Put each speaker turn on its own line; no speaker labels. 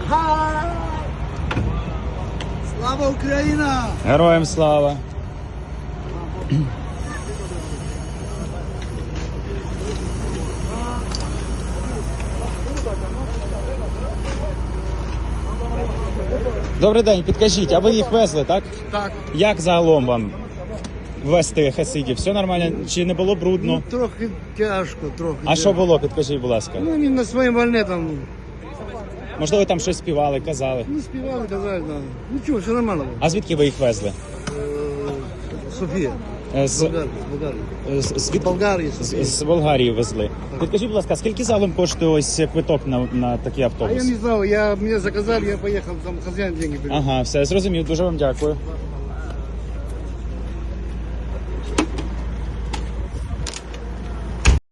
Слава Україна!
Героям слава! Добрий день, підкажіть, а ви їх везли, так?
Так.
Як загалом вам везти хасидів? Все нормально? Чи не було брудно?
Трохи тяжко, трохи.
А що було, підкажіть, будь ласка?
Ну, вони на своїм вольне там
Можливо, там щось співали, казали.
не співали, казали, да. Нічого, все нормально було.
А звідки ви їх везли?
Софія.
З,
Болгарії.
з,
Болгарії,
з,
Софія.
з Болгарії везли. Підкажіть, будь ласка, скільки залом коштує ось квиток на такий
А я
автобус?
не знал, меня заказали, я поехал, там хозяин деньги привез.
Ага, все, зрозумів, дуже вам дякую.